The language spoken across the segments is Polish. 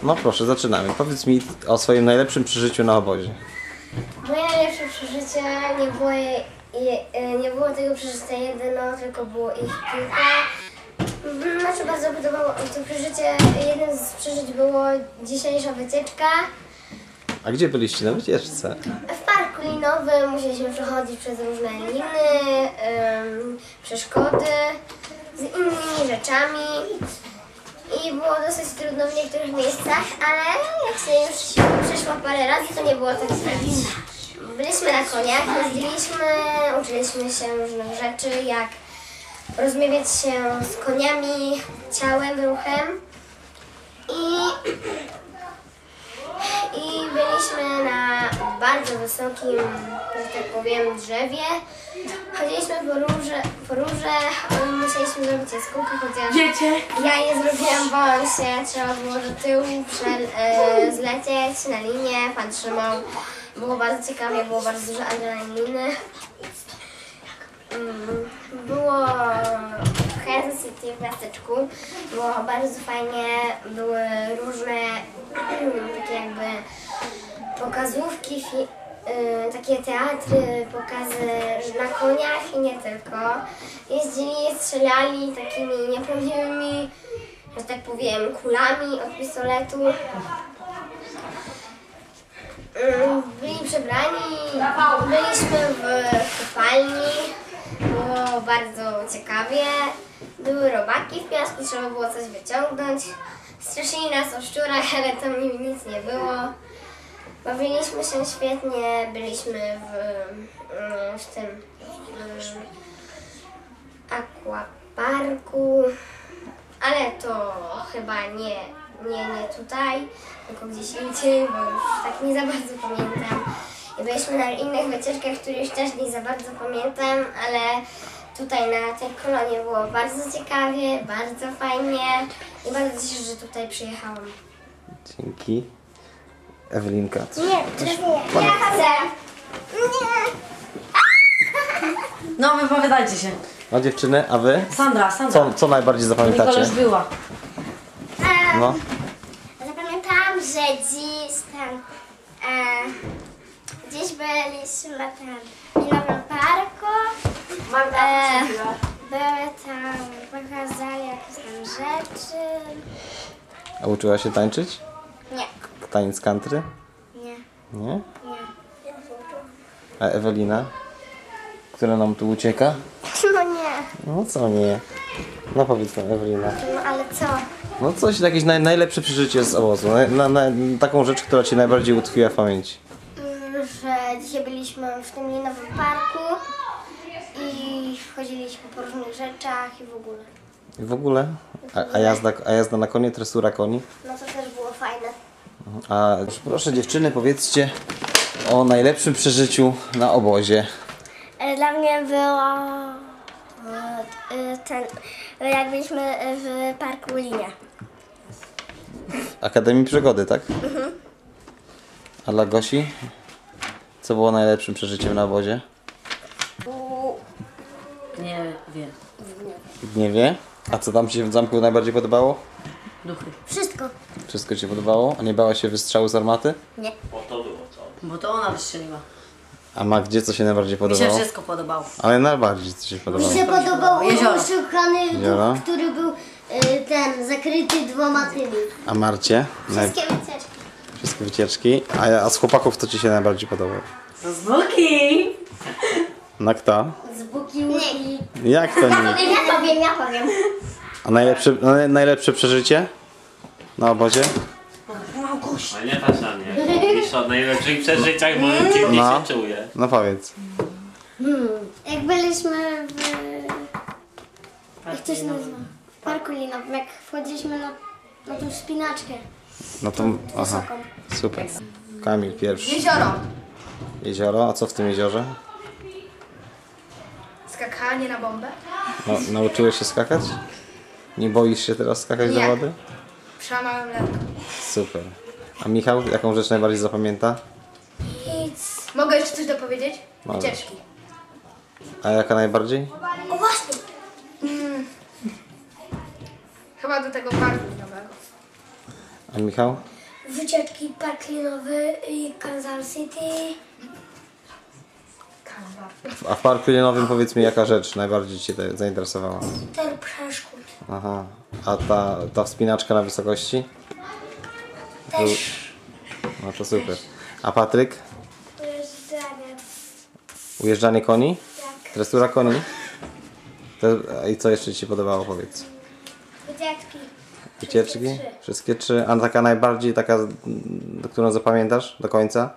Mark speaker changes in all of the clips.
Speaker 1: No proszę, zaczynamy. Powiedz mi o swoim najlepszym przeżyciu na obozie.
Speaker 2: Moje najlepsze przeżycie nie było tego przeżycia jedno, tylko było ich kilka. Znaczy bardzo podobało to przeżycie. Jednym z przeżyć było dzisiejsza wycieczka.
Speaker 1: A gdzie byliście na wycieczce?
Speaker 2: W parku linowym musieliśmy przechodzić przez różne liny, przeszkody z innymi rzeczami. I było dosyć trudno w niektórych miejscach, ale jak się już przeszło parę razy, to nie było tak źle. Byliśmy na koniach, jeździliśmy, uczyliśmy się różnych rzeczy, jak rozmawiać się z koniami, ciałem, ruchem. I byliśmy na bardzo wysokim, że tak powiem, drzewie. Chodziliśmy po róże, musieliśmy zrobić jaskółkę, chociaż ja je zrobiłam, bałam się, trzeba było do tyłu zlecieć na linię, pan trzymał. Było bardzo ciekawie, było bardzo dużo adrenaliny. Było w Kansas City, w miasteczku, było bardzo fajnie, były różne takie jakby pokazówki, takie teatry, pokazy na koniach i nie tylko. Jeździli, strzelali takimi nieprawdziwymi, że tak powiem, kulami od pistoletu. Byli przebrani, byliśmy w kopalni, było bardzo ciekawie. Były robaki w piasku, trzeba było coś wyciągnąć. Straszyli nas o szczurach, ale tam nic nie było. Bawiliśmy się świetnie, byliśmy w tym aquaparku, ale to chyba nie tutaj, tylko gdzieś indziej, bo już tak nie za bardzo pamiętam. I byliśmy na innych wycieczkach, które już też nie za bardzo pamiętam, ale tutaj na tej kolonie było bardzo ciekawie, bardzo fajnie i bardzo się cieszę, że tutaj przyjechałam.
Speaker 1: Dzięki. Ewelinka.
Speaker 2: Nie, ja chcę. Nie.
Speaker 3: No, wypowiadajcie się.
Speaker 1: No dziewczyny, a wy?
Speaker 3: Sandra.
Speaker 1: Co najbardziej
Speaker 3: Nikola
Speaker 1: zapamiętacie?
Speaker 3: już była.
Speaker 1: No.
Speaker 2: Zapamiętałam, że gdzieś byliśmy tam w Nowym Parku. Były tam, pokazali jakieś tam rzeczy.
Speaker 1: A uczyła się tańczyć?
Speaker 2: Nie.
Speaker 1: Taniec country?
Speaker 2: Nie.
Speaker 1: Nie?
Speaker 2: Nie.
Speaker 1: A Ewelina? Która nam tu ucieka?
Speaker 2: No nie.
Speaker 1: No co nie? No powiedz nam, Ewelina.
Speaker 2: No ale co?
Speaker 1: No coś, jakieś najlepsze przeżycie z obozu. Taką rzecz, która Ci najbardziej utkwiła w pamięci.
Speaker 2: Że dzisiaj byliśmy w tym linowym parku i chodziliśmy po różnych rzeczach i w ogóle.
Speaker 1: I w ogóle? A jazda na konie, tresura koni?
Speaker 2: No to też było fajne.
Speaker 1: A proszę dziewczyny, powiedzcie o najlepszym przeżyciu na obozie.
Speaker 2: Dla mnie było jak byliśmy w parku Linia.
Speaker 1: Akademii Przygody, tak? A dla Gosi? Co było najlepszym przeżyciem na obozie?
Speaker 3: Nie wiem.
Speaker 1: W Gniewie? A co tam Ci się w zamku najbardziej podobało?
Speaker 3: Duchy.
Speaker 2: Wszystko.
Speaker 1: Wszystko Ci podobało? A nie bałaś się wystrzału z armaty?
Speaker 2: Nie.
Speaker 3: Bo to ona wystrzeliła.
Speaker 1: A Magdzie co się najbardziej
Speaker 3: Mi się
Speaker 1: podobało?
Speaker 3: wszystko podobało.
Speaker 1: Ale najbardziej co się podobało?
Speaker 2: Mi się podobał
Speaker 3: Jezioro.
Speaker 2: oszukany
Speaker 1: Jezioro?
Speaker 2: duch, który był zakryty dwoma tymi.
Speaker 1: A Marcie?
Speaker 2: Wszystkie wycieczki.
Speaker 1: Wszystkie wycieczki. A z chłopaków co Ci się najbardziej podobało?
Speaker 3: To z Buki!
Speaker 1: No kto?
Speaker 2: Z Bukiłuki.
Speaker 1: Jak to nie?
Speaker 2: Ja powiem.
Speaker 1: A najlepsze przeżycie na obozie?
Speaker 4: Ale nie patrz na mnie. Pisz o najlepszych przeżyciach, bo dziwnie
Speaker 1: No.
Speaker 4: się czuję.
Speaker 1: No powiedz.
Speaker 2: Jak byliśmy w... Jak to się nazywa? W parku linowym, jak wchodziliśmy na tą wspinaczkę.
Speaker 1: No to... Aha. Super. Kamil pierwszy.
Speaker 5: Jezioro.
Speaker 1: Jezioro, a co w tym jeziorze?
Speaker 5: Skakanie na bombę.
Speaker 1: No, nauczyłeś się skakać? Nie boisz się teraz skakać do
Speaker 5: Nie.
Speaker 1: wody?
Speaker 5: Przełamałem lekko.
Speaker 1: Super. A Michał, jaką rzecz najbardziej zapamięta?
Speaker 2: Nic.
Speaker 5: Mogę jeszcze coś dopowiedzieć?
Speaker 1: Możesz.
Speaker 5: Wycieczki.
Speaker 1: A jaka najbardziej?
Speaker 2: O właśnie.
Speaker 5: Chyba do tego parku nowego.
Speaker 1: A Michał?
Speaker 2: wycieczki park linowy i Kansas City.
Speaker 1: A w parku linowym powiedz mi, jaka rzecz najbardziej Cię zainteresowała?
Speaker 2: Ten przeszkód.
Speaker 1: Aha. A ta wspinaczka na wysokości?
Speaker 2: Też
Speaker 1: No to super. A Patryk?
Speaker 2: ujeżdżanie.
Speaker 1: Ujeżdżanie koni?
Speaker 2: Tak.
Speaker 1: Dresura koni? I co jeszcze Ci się podobało, powiedz?
Speaker 2: Wycieczki.
Speaker 1: Wycieczki? Wszystkie trzy? A taka najbardziej, taka, którą zapamiętasz do końca?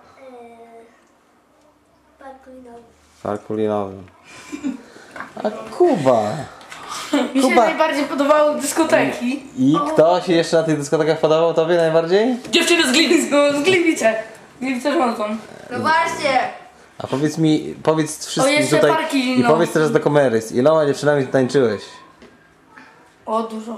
Speaker 2: Park linowy.
Speaker 1: W parku linowym. A Kuba!
Speaker 5: Mi się
Speaker 1: Kuba.
Speaker 5: najbardziej podobały dyskoteki.
Speaker 1: I kto się jeszcze na tych dyskotekach podobał Tobie najbardziej?
Speaker 5: Dziewczyny z Gliwic, no z Gliwice. Gliwice rządzą. No właśnie.
Speaker 1: A powiedz wszystkim
Speaker 5: jeszcze
Speaker 1: tutaj
Speaker 5: parki,
Speaker 1: i
Speaker 5: no.
Speaker 1: powiedz teraz do kamery, z iloma dziewczynami ty tańczyłeś?
Speaker 5: O, dużo.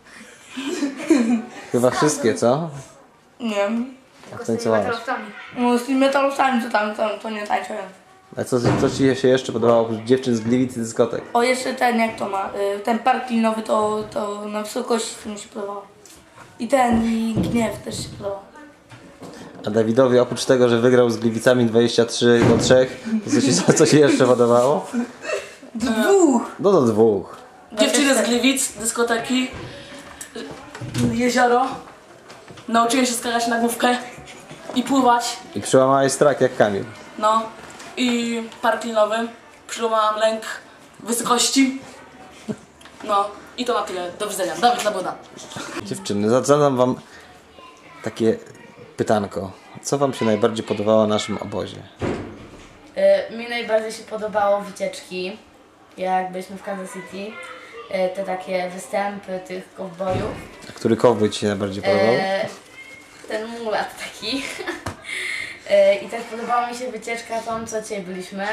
Speaker 1: Chyba wszystkie, co?
Speaker 5: Nie wiem.
Speaker 1: Jak tańcowałaś?
Speaker 5: No z tymi metalowcami to nie tańczyłem.
Speaker 1: A co Ci się jeszcze podobało oprócz dziewczyn z Gliwic i dyskotek?
Speaker 5: O, jeszcze ten, jak to ma, ten park linowy to na wysokości to mi się podobało. I Gniew też się podobał.
Speaker 1: A Dawidowi oprócz tego, że wygrał z Gliwicami 23-3, to co się jeszcze podobało?
Speaker 5: Dwóch!
Speaker 1: No do dwóch.
Speaker 6: Dziewczyny z Gliwic, dyskoteki, jezioro. Nauczyłem się skakać na główkę i pływać.
Speaker 1: I przełamałeś strach jak Kamil.
Speaker 6: No i park linowy. Przełamałam lęk wysokości. No i to na tyle. Do widzenia. Dawid Labuda.
Speaker 1: Dziewczyny, zadam wam takie pytanko. Co wam się najbardziej podobało na naszym obozie?
Speaker 3: Mi najbardziej się podobało wycieczki, jak byliśmy w Kansas City. Te takie występy tych kowbojów.
Speaker 1: A który kowboj ci się najbardziej podobał?
Speaker 3: Ten mulat taki. I też podobała mi się wycieczka tą, co dzisiaj byliśmy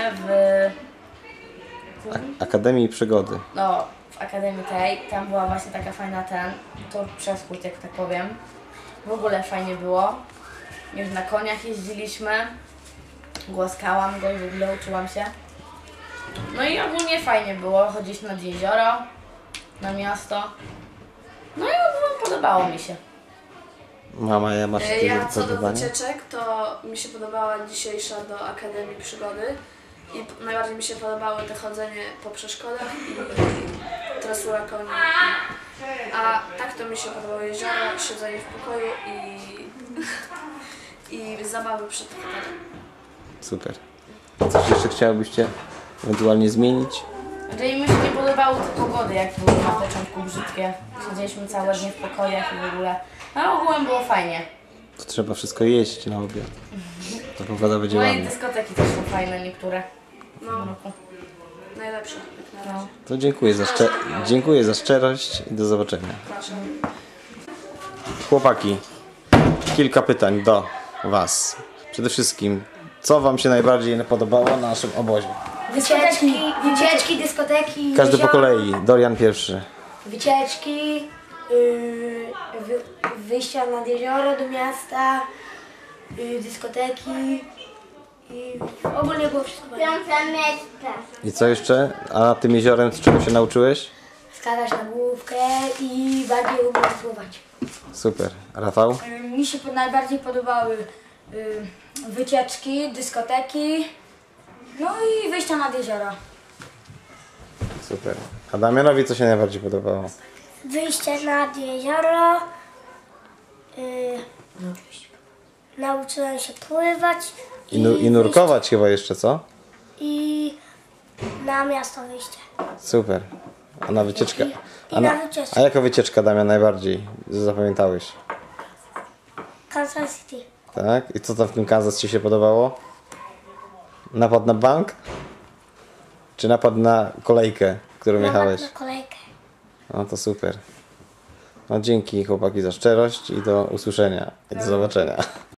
Speaker 1: Akademii Przygody.
Speaker 3: no, w Akademii tej. Tam była właśnie taka fajna tor przeszkód, jak tak powiem. W ogóle fajnie było. Już na koniach jeździliśmy. Głaskałam go i w ogóle uczyłam się. No i ogólnie fajnie było. Chodziliśmy nad jezioro, na miasto. No i ogólnie podobało mi się.
Speaker 1: Mama, ja masz
Speaker 7: Ja
Speaker 1: jakieś
Speaker 7: co do
Speaker 1: zadanie?
Speaker 7: wycieczek, to mi się podobała dzisiejsza do Akademii Przygody i najbardziej mi się podobały te chodzenie po przeszkodach i tresura koni. A tak to mi się podobało jezioro, siedzenie w pokoju i zabawy przed fotelem.
Speaker 1: Super. Coś jeszcze chciałybyście ewentualnie zmienić?
Speaker 3: Znaczy mi się nie podobały te pogody, jak były na początku brzydkie. Siedzieliśmy całe dnie w pokojach i w ogóle. No ogółem było fajnie.
Speaker 1: To trzeba wszystko jeść na obiad. To pogoda będzie
Speaker 3: No i
Speaker 1: ładna.
Speaker 3: dyskoteki też są fajne niektóre.
Speaker 7: No, najlepsze jak na razie.
Speaker 1: To dziękuję za szczerość i do zobaczenia.
Speaker 7: Proszę.
Speaker 1: Chłopaki, kilka pytań do was. Przede wszystkim, co wam się najbardziej podobało na naszym obozie?
Speaker 2: Wycieczki, dyskoteki.
Speaker 1: Każdy po
Speaker 2: jezioro,
Speaker 1: kolei. Dorian pierwszy.
Speaker 2: Wycieczki, wyjścia nad jezioro do miasta, dyskoteki i ogólnie było wszystko fajne.
Speaker 1: I co jeszcze? A nad tym jeziorem czego się nauczyłeś?
Speaker 2: Skakać na główkę i bardziej umysłować.
Speaker 1: Super. Rafał?
Speaker 8: Mi się najbardziej podobały wycieczki, dyskoteki, no i wyjścia nad jezioro.
Speaker 1: Super. A Damianowi co się najbardziej podobało?
Speaker 2: Wyjście nad jezioro, nauczyłem się pływać
Speaker 1: I nurkować chyba jeszcze, co?
Speaker 2: i na miasto wyjście.
Speaker 1: Super. A na wycieczkę?
Speaker 2: na wycieczkę.
Speaker 1: A jaka wycieczka, Damian, najbardziej zapamiętałeś?
Speaker 2: Kansas City.
Speaker 1: Tak? I co tam w tym Kansas ci się podobało? Napad na bank? Czy napad na kolejkę, którą jechałeś?
Speaker 2: Na kolejkę.
Speaker 1: No to super. No dzięki chłopaki za szczerość i do usłyszenia i do zobaczenia.